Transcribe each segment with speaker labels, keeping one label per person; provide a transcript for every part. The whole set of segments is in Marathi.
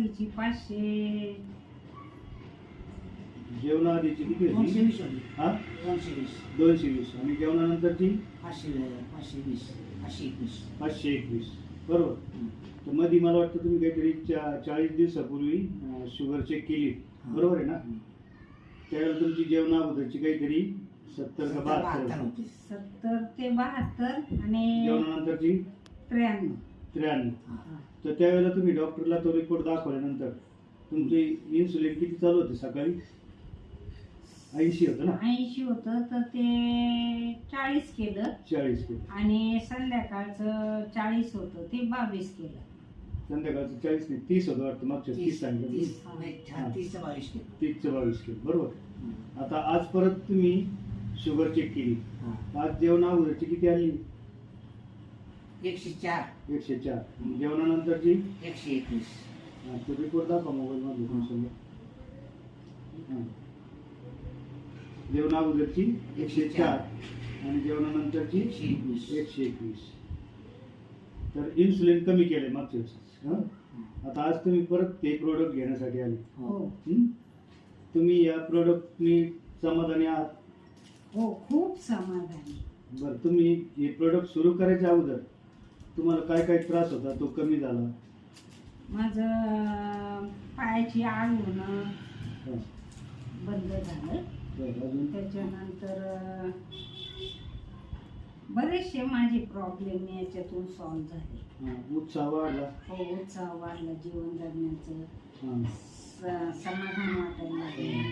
Speaker 1: आधीची 500.
Speaker 2: जेवणाआधीची किती होती?
Speaker 3: 220 होती.
Speaker 2: हा
Speaker 3: 220.
Speaker 2: 220 आणि जेवणानंतरची
Speaker 3: 520. 521.
Speaker 2: 521 बरोबर.
Speaker 3: हं.
Speaker 2: तर मध्ये मला वाटतं तुम्ही काहीतरी 40 दिवसापूर्वी शुगर चेक केली, बरोबर आहे ना?
Speaker 3: हं.
Speaker 2: त्यावेळेला तुमची जेवणा अगोदरची काहीतरी 70 का 72
Speaker 3: होती.
Speaker 1: 70 ते 72 आणि
Speaker 2: जेवणानंतरची
Speaker 1: 93.
Speaker 2: 93.
Speaker 3: हा.
Speaker 2: तर त्यावेळेला तुम्ही डॉक्टरला तो रिपोर्ट दाखवल्यानंतर तुमची इन्सुलिन किती चालू होते? सकाळी 80 होतं ना?
Speaker 1: 80 होतं तर ते 40 केलं
Speaker 2: 40 केलं.
Speaker 1: आणि संध्याकाळचं 40 होतं ते 22 केलं.
Speaker 2: संध्याकाळचं 40 नाही 30 होतं वाटतं, मागच्या 30 सांगितलं तुम्ही.
Speaker 3: 30 चं 22 केलं.
Speaker 2: 30 चं 22 केलं, बरोबर.
Speaker 3: हं.
Speaker 2: आता आज परत तुम्ही शुगर चेक केली,
Speaker 3: हा.
Speaker 2: आज जेवणा अगोदरची किती आली?
Speaker 3: 104.
Speaker 2: 104. जेवणानंतरची
Speaker 3: 121.
Speaker 2: तो रिपोर्ट दाखवा मोबाईल मध्ये तुमच्यासमोर. जेवणा अगोदरची 104 आणि जेवणानंतरची
Speaker 3: 121.
Speaker 2: 121. तर इन्सुलिन कमी केलंय मागच्या वेळेस. हं? आता आज तुम्ही परत ते प्रोडक्ट घेण्यासाठी आले.
Speaker 1: हो
Speaker 2: हं? तुम्ही या प्रोडक्टनी समाधानी आहात?
Speaker 1: हो खूप समाधानी.
Speaker 2: बरं, तुम्ही हे प्रोडक्ट सुरू करायच्या अगोदर तुम्हाला काय काय त्रास होता, तो कमी झाला?
Speaker 1: माझं पायाची आग होणं
Speaker 2: हं.
Speaker 1: बंद झालं.
Speaker 2: बरं, अजून
Speaker 1: त्याच्यानंतर बरेचसे माझे प्रॉब्लेम याच्यातून सॉल्व्ह झाले.
Speaker 2: उत्साह वाढला.
Speaker 1: हो उत्साह वाढला, जीवन जगण्याचं
Speaker 2: हं.
Speaker 1: समाधान वाटायला लागलं.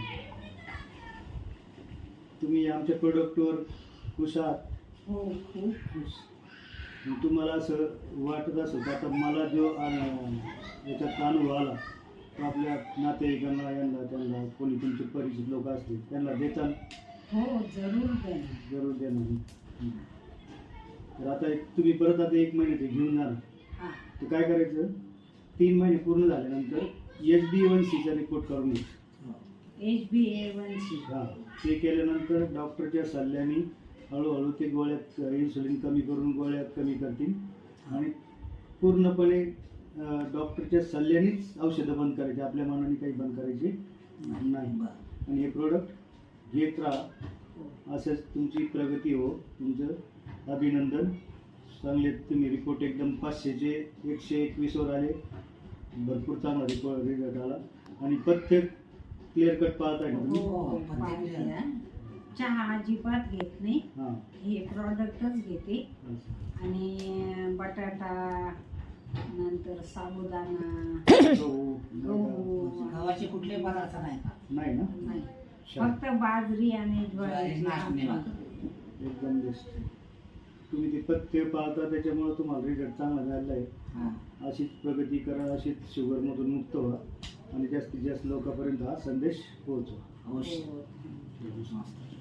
Speaker 2: तुम्ही आमच्या प्रोडक्टवर खुश आहात?
Speaker 1: हो खूप खुश.
Speaker 2: मग तुम्हाला असं वाटत असेल तर आता मला जो याच्यात अनुभव आला तो आपल्या नातेवाईकांना, यांना त्यांना कोणी तुमचे परिचित लोक असतील त्यांना देताल?
Speaker 1: हो जरूर देणार.
Speaker 2: जरूर देणार. हं. तर आता तुम्ही परत आता 1 महिन्याचे घेऊन जाणार.
Speaker 1: हा
Speaker 2: तर काय करायचं, 3 महिने पूर्ण झाल्यानंतर HbA1c चा रिपोर्ट करून घ्यायचा.
Speaker 1: HbA1c.
Speaker 2: हा, ते केल्यानंतर डॉक्टरच्या सल्ल्याने हळूहळू ते गोळ्यात इन्सुलिन कमी करून गोळ्या कमी करतील आणि पूर्णपणे डॉक्टरच्या सल्ल्यानेच औषधं बंद करायची, आपल्या मनाने काही बंद करायची नाही. आणि हे प्रोडक्ट घेत राहा, असंच तुमची प्रगती हो. तुमचं अभिनंदन. चांगले तुम्ही रिपोर्ट एकदम 500चे 121 वर आले. भरपूर चांगला रिझल्ट आला आणि प्रत्येक क्लिअर कट पाहताय ना तुम्ही?
Speaker 1: हो पाहिजे. चहा अजिबात घेत नाही,
Speaker 2: हां.
Speaker 1: हे प्रॉडक्टच घेते. आणि बटाटा, नंतर साबुदाणा, गहू
Speaker 3: गव्हाचे कुठले पदार्थ नाही का?
Speaker 2: नाही ना?
Speaker 1: नाही,
Speaker 2: छान.
Speaker 1: फक्त बाजरी आणि
Speaker 3: ज्वारी, नाचणी
Speaker 1: ज्वारी.
Speaker 3: भाकर.
Speaker 2: एकदम बेस्ट. तुम्ही ते पथ्य पाळता त्याच्यामुळे तुम्हाला रिझल्ट चांगला मिळाला आहे.
Speaker 3: हा.
Speaker 2: अशीच प्रगती करा, अशीच शुगरमधून मुक्त व्हा आणि जास्तीत जास्त लोकांपर्यंत हा संदेश पोहोचवा.
Speaker 3: अवश्य.
Speaker 1: हो.
Speaker 3: मस्त.